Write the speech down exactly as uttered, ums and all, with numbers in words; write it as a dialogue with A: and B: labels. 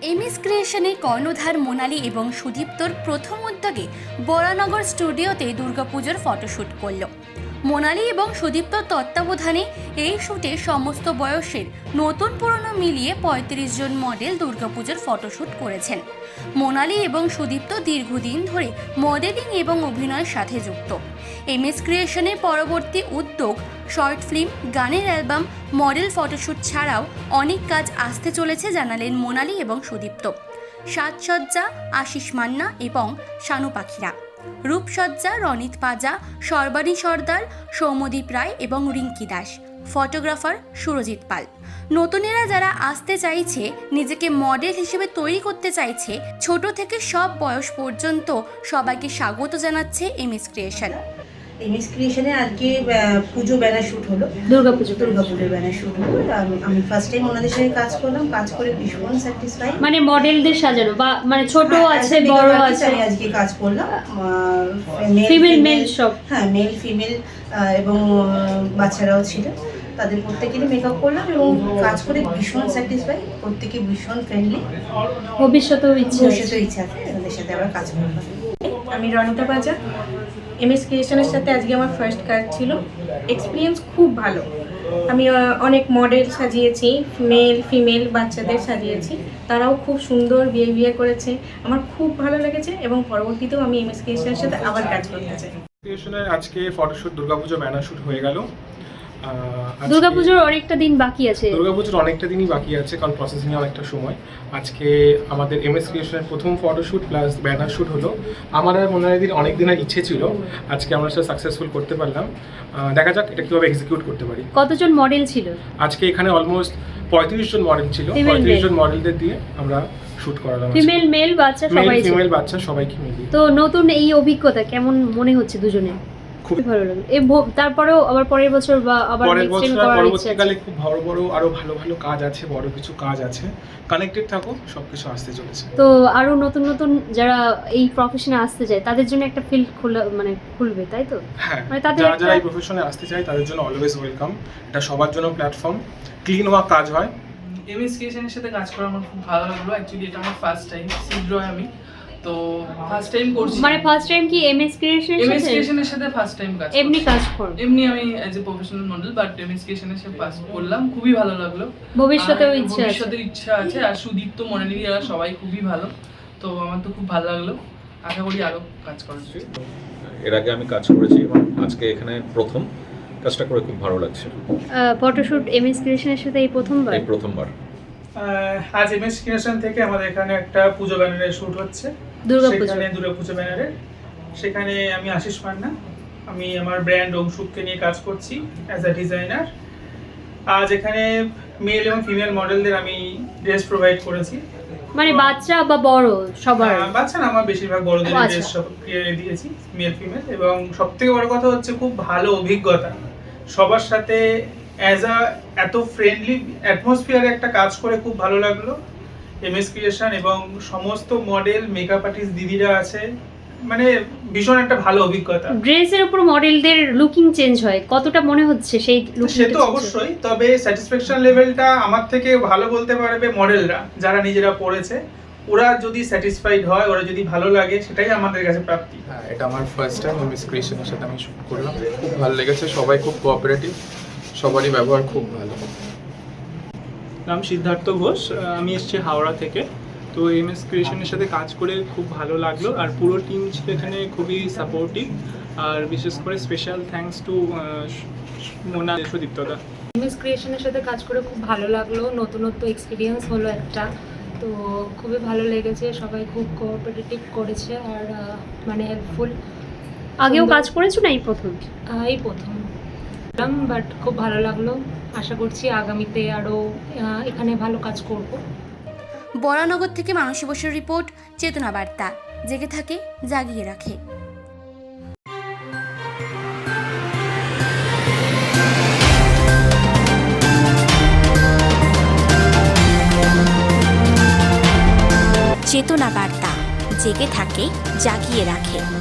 A: MS ক্রিয়েশনে কর্ণধার মোনালি এবং সুদীপ্তর প্রথম উদ্যোগে বরানগর স্টুডিওতে দুর্গাপুজোর ফটোশ্যুট করল। মোনালি এবং সুদীপ্তর তত্ত্বাবধানে এই শ্যুটে সমস্ত বয়সের নতুন পুরনো মিলিয়ে পঁয়ত্রিশ জন মডেল দুর্গাপুজোর ফটোশ্যুট করেছেন। মোনালি এবং সুদীপ্ত দীর্ঘদিন ধরে মডেলিং এবং অভিনয়ের সাথে যুক্ত। এমএস ক্রিয়েশনের পরবর্তী উদ্যোগ শর্ট ফিল্ম, গানের অ্যালবাম, মডেল ফটোশ্যুট ছাড়াও অনেক কাজ আসতে চলেছে জানালেন মোনালি এবং সুদীপ্ত। সাজসজ্জা আশিস মান্না এবং শানু পাখিরা, রূপসজ্জা রনিত পাজা, সর্বাণী সর্দার, সৌম্যদীপ রায় এবং রিঙ্কি দাস, ফটোগ্রাফার সুরজিৎ পাল। নতুনেরা যারা আসতে চাইছে, নিজেকে মডেল হিসেবে তৈরি করতে চাইছে, ছোট থেকে সব বয়স পর্যন্ত সবাইকে স্বাগত জানাচ্ছে এমএস ক্রিয়েশন।
B: এমএস ক্রিয়েশনে আজকে পুজো ব্যানার শ্যুট হলো,
C: দুর্গাপুজো
B: দুর্গাপুজোর ব্যানার শ্যুট হলো। আমি ফার্স্ট টাইম ওনাদের সাথে কাজ করলাম, কাজ করে ভীষণ স্যাটিসফাই।
C: মানে মডেলদের সাজানো বা মানে ছোট আছে বড় আছে।
B: আমি আজকে কাজ করলাম
C: ফিমেল মেল সব,
B: হ্যাঁ মেল ফিমেল এবং বাচ্চারাও ছিল, তাদের প্রত্যেকেরই মেকআপ করলাম এবং কাজ করে ভীষণ স্যাটিসফাই। প্রত্যেকে ভীষণ ফ্রেন্ডলি।
C: ভবিষ্যতেও ইচ্ছে
B: ভবিষ্যতেও ইচ্ছা আছে ওনাদের সাথে আবার কাজ করলাম।
D: আমি রনিতা পাজা, এমএস ক্রিয়েশনের সাথে আজকে আমার ফার্স্ট কাজ ছিল। এক্সপিরিয়েন্স খুব ভালো। আমি অনেক মডেল সাজিয়েছি, মেল ফিমেল বাচ্চাদের সাজিয়েছি, তারাও খুব সুন্দর বিহেভিয়ার করেছে, আমার খুব ভালো লেগেছে এবং পরবর্তীতেও আমি এমএস ক্রিয়েশনের সাথে আবার কাজ করতে চাই।
E: ক্রিয়েশনের আজকে ফটোশ্যুট দুর্গাপুজো ব্যানার শ্যুট হয়ে গেল।
C: দুর্গাপুজোর অনেকটা দিন বাকি আছে।
E: দুর্গাপুজোর অনেকটা দিনই বাকি আছে, কারণ প্রসেসিংয়ে অনেকটা সময়। আজকে আমাদের এমএস ক্রিয়েশনের প্রথম ফটোশ্যুট প্লাস ব্যানার শ্যুট হলো। আমার আর মোনালিদির অনেক দিনের ইচ্ছে ছিল, আজকে আমরা সেটা সাকসেসফুল করতে পারলাম। দেখা যাক এটা কীভাবে এক্সিকিউট করতে পারি।
C: কতজন মডেল ছিল আজকে?
E: এখানে অলমোস্ট পঁয়ত্রিশ জন মডেল ছিল। পঁয়ত্রিশ জন মডেলদের দিয়ে আমরা শুট করালাম।
C: ফিমেল মেল বাচ্চা সবাই ছিল।
E: ফিমেল বাচ্চা সবাইকে মিলিয়ে।
C: তো নতুন এই অভিজ্ঞতা কেমন মনে হচ্ছে দুজনে? খুব ভালো লাগে। এই তারপরেও আবার পরের বছর বা আবার নেক্সট টাইম করার ইচ্ছা আছে।
E: পরবর্তীকালে খুব বড় বড় আরো ভালো ভালো কাজ আছে, বড় কিছু কাজ আছে। কানেক্টেড থাকো, সবকিছু আসতে চলেছে।
C: তো আরো নতুন নতুন যারা এই প্রফেশনে আসতে চায় তাদের জন্য একটা ফিল্ড খোলা মানে খুলবে, তাই তো?
E: হ্যাঁ,
C: মানে তাদের
E: যারা যারা এই প্রফেশনে আসতে চায় তাদের জন্য অলওয়েজ ওয়েলকাম। এটা সবার জন্য প্ল্যাটফর্ম, ক্লিন হওয়া কাজ হয়।
F: এমএস ক্রিয়েশনের সাথে কাজ করা আমার খুব ভালো লাগলো। অ্যাকচুয়ালি এটা আমার ফার্স্ট টাইম, শীঘ্রই আমি তো ফার্স্ট টাইম করছি।
C: মানে ফার্স্ট টাইম কি এমএস ক্রিয়েশনের সাথে?
F: এমএস ক্রিয়েশনের সাথে ফার্স্ট টাইম কাজ
C: এমনি কাজ করব।
F: এমনি আমি as a professional model, but MS ক্রিয়েশনের সাথে কাজ করলাম, খুবই ভালো লাগলো।
C: ভবিষ্যতেও ইচ্ছা আছে।
F: ভবিষ্যতের ইচ্ছা আছে। আর সুদীপ্ত মোনালি এরা সবাই খুবই ভালো, তো আমার তো খুব ভালো লাগলো। আশা করি আরো কাজ করা যাবে।
G: এর আগে আমি কাজ করেছি এবং আজকে এখানে প্রথম কাজটা করে খুব ভালো লাগছে।
C: ফটোশুট এমএস ক্রিয়েশনের সাথে এই প্রথমবার?
G: এই প্রথমবার।
H: আজ এমএস ক্রিয়েশন থেকে আমাদের এখানে একটা পুজো ব্যানারের শুট হচ্ছে,
C: দুর্গাপুজো।
H: সেখানে দুর্গাপুজো ব্যানারে। সেখানে আমি আশিস মান্না, আমি আমার ব্র্যান্ড ওমশুককে নিয়ে কাজ করছি অ্যাজ আ ডিজাইনার। আজ এখানে মেল এবং ফিমেল মডেলদের আমি ড্রেস প্রোভাইড করেছি।
C: মানে বাচ্চা বা বড় সবার?
H: বাচ্চা না, আমার বেশিরভাগ বড়দের ড্রেস সব দিয়েছি, মেল ফিমেল। এবং সবথেকে বড় কথা হচ্ছে খুব ভালো অভিজ্ঞতা, সবার সাথে অ্যাজ আ এত ফ্রেন্ডলি অ্যাটমসফিয়ারে একটা কাজ করে খুব ভালো লাগলো। এমএস ক্রিয়েশন এবং সমস্ত মডেল মেকআপ আর্টিস্ট দিদিরা আছে, মানে ভীষণ একটা ভালো অভিজ্ঞতা।
C: ড্রেসের উপর মডেলদের লুকিং চেঞ্জ হয়, কতটা মনে হচ্ছে সেই লুকিং?
H: সে তো অবশ্যই, তবে স্যাটিসফ্যাকশন লেভেলটা আমার থেকে ভালো বলতে পারবে মডেলরা, যারা নিজেরা পড়েছে। ওরা যদি স্যাটিসফাইড হয়, ওরা যদি ভালো লাগে, সেটাই আমাদের কাছে প্রাপ্তি।
E: হ্যাঁ, এটা আমার ফার্স্ট টাইম এমএস ক্রিয়েশনের সাথে আমি শুট করলাম। খুব ভালো লেগেছে, সবাই খুব কোঅপারেটিভ, সবারই ব্যবহার খুব ভালো।
I: নাম সিদ্ধার্থ ঘোষ, আমি এসেছি হাওড়া থেকে। তো এমএস ক্রিয়েশনের সাথে কাজ করে খুব ভালো লাগলো, আর পুরো টিম ছিল এখানে খুবই সাপোর্টিভ। আর বিশেষ করে স্পেশাল থ্যাঙ্কস টু মোনা সুদীপ্তদা।
J: এমএস ক্রিয়েশনের সাথে কাজ করে খুব ভালো লাগলো, নতুনত্ব এক্সপিরিয়েন্স হলো একটা, তো খুবই ভালো লেগেছে। সবাই খুব কোঅপারেটিভ করেছে আর মানে হেল্পফুল।
C: আগেও কাজ করেছো না এই প্রথম?
J: এই প্রথম, বাট খুব ভালো লাগলো। আশা করছি আগামীতে আরও এখানে ভালো কাজ করব।
A: বরানগর থেকে মানসী বসুর রিপোর্ট, চেতনা বার্তা। জেগে থাকে, জাগিয়ে রাখে। চেতনা বার্তা, জেগে থাকে, জাগিয়ে রাখে।